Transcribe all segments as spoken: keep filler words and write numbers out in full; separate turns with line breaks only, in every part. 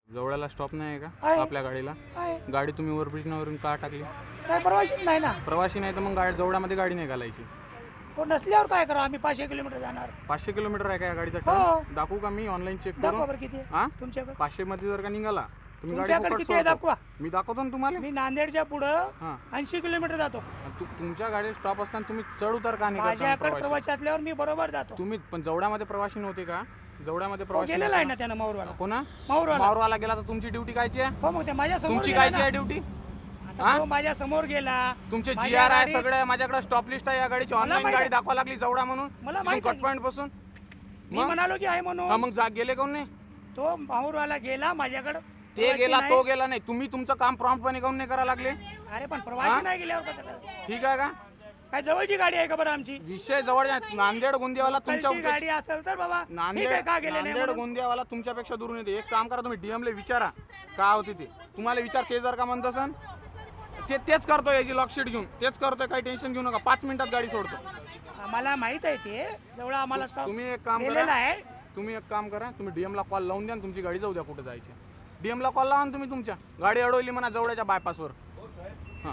जवळाला stop नाही आहे
आहे.
का आपल्या गाडीला?
आहे.
गाडी तुम्ही ओव्हरब्रिजवरून का टाकली?
नाही प्रवासीच नाही ना.
प्रवासी नाही तर मग गाडी जवळामध्ये गाडी नाही घालायची.
हो नसल्यावर काय करा, आम्ही पाचशे किलोमीटर जाणार.
पाचशे किलोमीटर आहे का या गाडीचा
हो.
टर्न? दाखवू का मी ऑनलाईन चेक
दाखवा
करून?
बरं किती
हा
आहे तुमच्याकडे.
पाचशे मध्ये जर का निघाला तुम्ही गाडी
तुमच्याकडे
फुकट
किती आहे
सोडतो.
दाखवा.
मी दाखवतो ना तुम्हाला.
मी नांदेडच्या पुढं
हा.
ऐंशी किलोमीटर जातो.
तु- तुमच्या गाडी स्टॉप असताना तुम्ही चढ उतार का नाही करता
माझ्याकडे
प्रवासी?
प्रवासी असल्यावर मी बरोबर जातो.
तुम्ही पण जवळामध्ये प्रवासी नव्हते का? जवळामध्ये
हो,
प्रवासी
गेलेला आहे
नव्हते
ना त्यानं माऊरवाला.
का? कोणा?
माऊरवाला.
मावरवाला गेला तर तुमची ड्युटी कायची आहे?
हो मग ते माझ्या समोर
तुमची
गेला
कायची
ना.
आहे ड्युटी?
आता तो माझ्या समोर गेला.
तुमचे जी
माझ्या
आर आहे
गाडीत-
सगळं माझ्याकडे स्टॉप लिस्ट आहे या गाडीची. ऑनलाईन
माहित
गाडी
आहे.
दाखवा लागली जवळा म्हणून.
मला माहित
कट
आहे.
पॉईंट पासून
मी म्हणालो की आहे
हा,
म्हणून.
मग जा गेले कोण नाही?
तो माऊरवाला गेला माझ्याकडे.
ते
प्रवासी
गेला
नाही.
तो गेला नाही. तुम्ही तुमचं काम प्रॉम्प्टपणे काऊन नाही करा लागले?
अरे पण प्रवासी नाही गेल्यावर कसं करायचं?
ठीक आहे का?
काय जवळची गाडी आहे का बरं आमची?
विषय जवळ नांदेड गोंदियावाला तुमच्या
लोकलची गाडी असेल तर बाबा ठीक
नांदेड
आहे, का गेले नाही
नांदेड
म्हणून?
गोंदियावाला तुमच्यापेक्षा दुरून येते. एक काम करा तुम्ही डीएमला विचारा का होती ते. तुम्हाला विचार ते जर का म्हणत असन ते तेच करतोय याची लॉकशीट घेऊन तेच करतोय. काही टेन्शन घेऊ नका. पाच मिनिटात गाडी सोडतो.
आम्हाला माहित आहे ते जेवढा आम्हाला स्टॉप
तुम्ही एक काम
दिलेला
करा
आहे.
तुम्ही एक काम करा तुम्ही डीएमला कॉल लावून द्या आणि तुमची गाडी जाऊ द्या कुठे जायची. डीएमला कॉल लावा ना तुम्ही. तुमच्या गाडी अडवली म्हणा जवळच्या बायपासवर. हां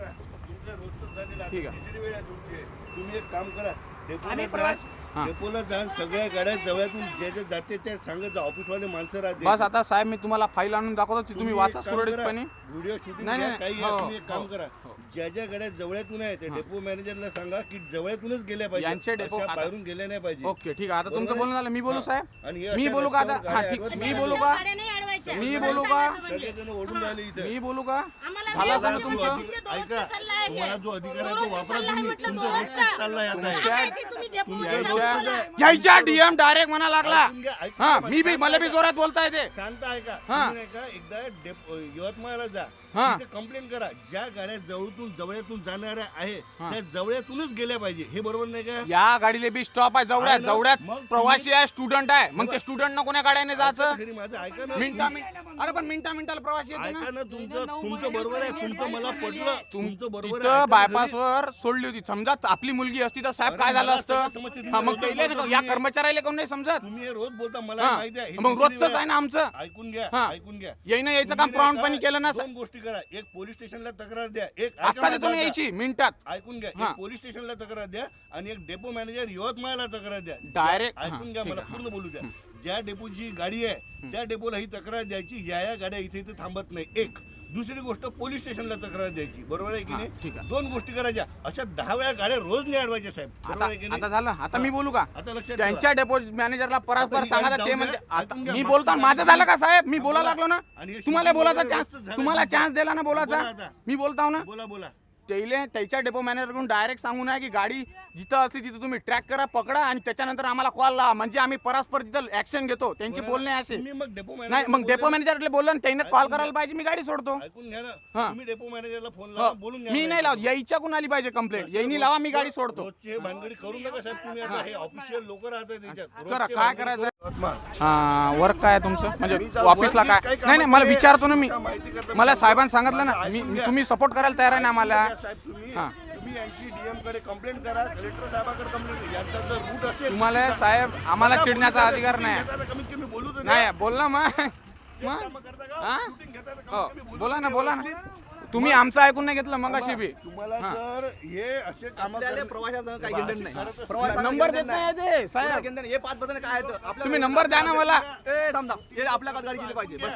ठीक आहे.
तुम्ही एक काम करा, डेपोला
आणि
जा,
प्रवास-
हा.
डेपोला जा, सगळ्या गाड्या जवळातून जे जे जाते ते सांगत जा. ऑफिसवाले माणसं राहते.
बस आता साहेब मी तुम्हाला फाईल आणून दाखवतो ती तुम्ही वाचा सुरळीतपणे.
व्हिडिओ शूटिंग
नाही,
घ्या,
नाही,
काही
हो,
आहे, तुम्ही एक काम
हो,
करा.
हो.
ज्या ज्या गाड्या जवळातून आहे ते डेपो मॅनेजरला सांगा की जवळातूनच गेल्या पाहिजे.
यांचे डेपो
अशा
आता-
बाहेरून गेल्या नाही पाहिजे.
ओके ठीक आहे. आता तुमचं
बरोबर
बोलणं
आहे?
झालं. मी बोलू
हा.
साहेब?
आणि हे
मी
अशा
बोलू का आता?
रस्त्यावर
हा
गाड्या
ठीक.
अडवत
मी
नाही.
बोलू का? मी बोलू का?
सगळेजण ओढून राहिले इथे.
मी बोलू का?
आम्हाला
झालं
वेळ
सांगा
नाही,
तुमचं.
तुमच्या
ऐका,
दोघांचं चाललं आहे.
तुम्हाला जो अधिकार आहे तो
दोघांचं
वापरा
चाललं आहे
तुम्ही.
म्हटलं,
तुमचं
दोघांचं.
रोजचं चाललंय आता.
तुमच्या-
काय ते तुम्ही डेपो
तुमच्या
मध्ये
रोजचं
बोलताय.
आहे.
यायच्या डीएम डायरेक्ट म्हणा लागला.
ऐकून घ्या, ऐकून
हा
घ्या,
मी बी
शांत
मला बी
ऐका.
जोरात बोलता येते.
शांत आहे का?
हा.
तुम्ही नाही का एकदा डेप- यवतमाळला जा.
हा.
तिथे कंप्लेंट करा. ज्या गाड्या जवळून जवळतून जाणाऱ्या आहे
हा.
त्या जवळतूनच गेल्या पाहिजे. हे बरोबर नाही का?
या गाडीले बी स्टॉप आहे जवळ्यात.
आहे ना?
जवळ्यात
मग
प्रवासी आहे स्टुडंट आहे. मग ते स्टुडंट ना कोण्या गाड्याने जायचं?
खरी माझं ऐका ना.
मिनिटा मिनिट अरे पण मिनिटा मिनिटाला प्रवासी येते
ऐका
ना.
ना, तुमचं तुमचं बरोबर आहे. तुमचं मला पटलं. तुमचं बरोबर आहे.
तिथं
ऐका ना
बायपासवर सोडली होती. समजा आपली मुलगी असती तर साहेब
अरे
काय झालं
मला
असतं?
सगळं समजतं. तुम्ही
हा, मग
रोज
त्याला
बोलता
या
तुम्ही.
कर्मचाऱ्याला कोण नाही समजत?
तुम्ही हे रोज बोलता मला
हा.
माहिती आहे. हे
मग
दुसरी
रोजच
वेळ
आहे ना आमचं.
ऐकून घ्या,
हा.
ऐकून घ्या.
येईनं यायचं काम
तुम्ही नाही
प्रॉम्प्टपणे
का,
केलं ना.
दोन गोष्टी करा. एक पोलीस स्टेशनला तक्रार द्या. एक ऐका
आता
माझं
देतो ना
आता.
यायची मिनिटात.
ऐकून घ्या.
हा.
एक पोलीस स्टेशनला तक्रार द्या आणि एक डेपो मॅनेजर यवतमाळला तक्रार द्या.
Direct- हा,
ऐकून घ्या,
ठीक
मला
आहे,
पूर्ण बोलू द्या. ज्या डेपोची गाडी आहे त्या डेपोला ही तक्रार द्यायची. या या गाड्या इथे इथे थांबत नाही. एक दुसरी गोष्ट पोलीस स्टेशनला तक्रार द्यायची. बरोबर आहे की
हा,
नाही?
ठीक आहे.
दोन गोष्टी करायच्या. अशा दहा वेळा गाड्या रोज नाही अडवायच्या साहेब. बरोबर
आता
आहे की नाही?
आता झालं. आता मी बोलू का?
आता लक्षात
त्यांच्या डेपो मॅनेजरला परस्पर
आता ही
सांगा
गाडी
ते
जाऊ
म्हणजे
द्या.
आता
ऐकून घ्या.
मी
मागचं
बोलतो
गाडी
माझं झालं का साहेब? मी
हा,
बोला
बोला.
लागलो ना.
आणि हे
तुम्हाला
shooting
बोलायचा
वगैरे
चान्स
व्यवस्थित झालं
तुम्हाला
तुमचं.
चान्स दिला ना बोलायचा.
बोला आता.
मी बोलताव ना.
बोला बोला.
त्याला त्याच्या डेपो मॅनेजरकडून डायरेक्ट सांगून आहे की गाडी जिथं असली तिथं तुम्ही ट्रॅक करा, पकडा आणि त्याच्यानंतर आम्हाला कॉल लावा. म्हणजे आम्ही परस्पर तिथं ऍक्शन घेतो. त्यांची बोलणे असे
तुम्ही मग डेपो
नाही.
मॅनेजरला
मग डेपो
बोला.
मॅनेजरला बोललं आणि त्याने कॉल करायला पाहिजे. मी गाडी सोडतो.
ऐकून घ्या ना.
हा.
तुम्ही डेपो मॅनेजरला फोन
हो.
लावा, बोलून घ्या.
मी नाही लावत. यायच्या कोण आली पाहिजे कंप्लेंट. येईनी लावा, मी गाडी सोडतो.
रोजचे भानगडी करू नका साहेब. तुम्ही आता हे ऑफिशियल लोक राहतात त्याच्यात.
करा
रोजचे
काय
भानगडी
करायचं.
करू नका.
हा वर्क काय आहे तुमचं म्हणजे ऑफिसला काय? नाही नाही मला विचारतो ना मी. मला साहेबांनी सांगितलं ना. मी मी- तुम्ही सपोर्ट करायला तयार आहे ना आम्हाला.
साहेब तुम्ही
हा.
तुम्ही यांची डीएम कडे कंप्लेंट करा. कलेक्टर साहेबाकडे कंप्लेंट. यांचा जर रूट असेल
तुम्हाला साहेब आम्हाला चिडण्याचा अधिकार नाही.
कमीत कमी बोलू तर
नाही बोल ना मग मग
करता का?
हा?
Shooting घेता तर
हो
कमीत कमी बोलू
बोला ना
तर
बोला ना.
व्यवस्थित.
तुम्ही आमचं ऐकून नाही घेतलं मग अशी बी.
तुम्हाला जर हे असे काम
प्रवाशासह काही घेणं नाही.
करत
प्रवाशाला
नंबर
घेणं
देत नाही ते साहेब.
घेणं नाही. हे पाच बटन काय आहेत आपल्या-
तुम्ही नंबर द्या ना मला.
ए थांब थांब हे आपल्या गाडी गेली पाहिजे बस.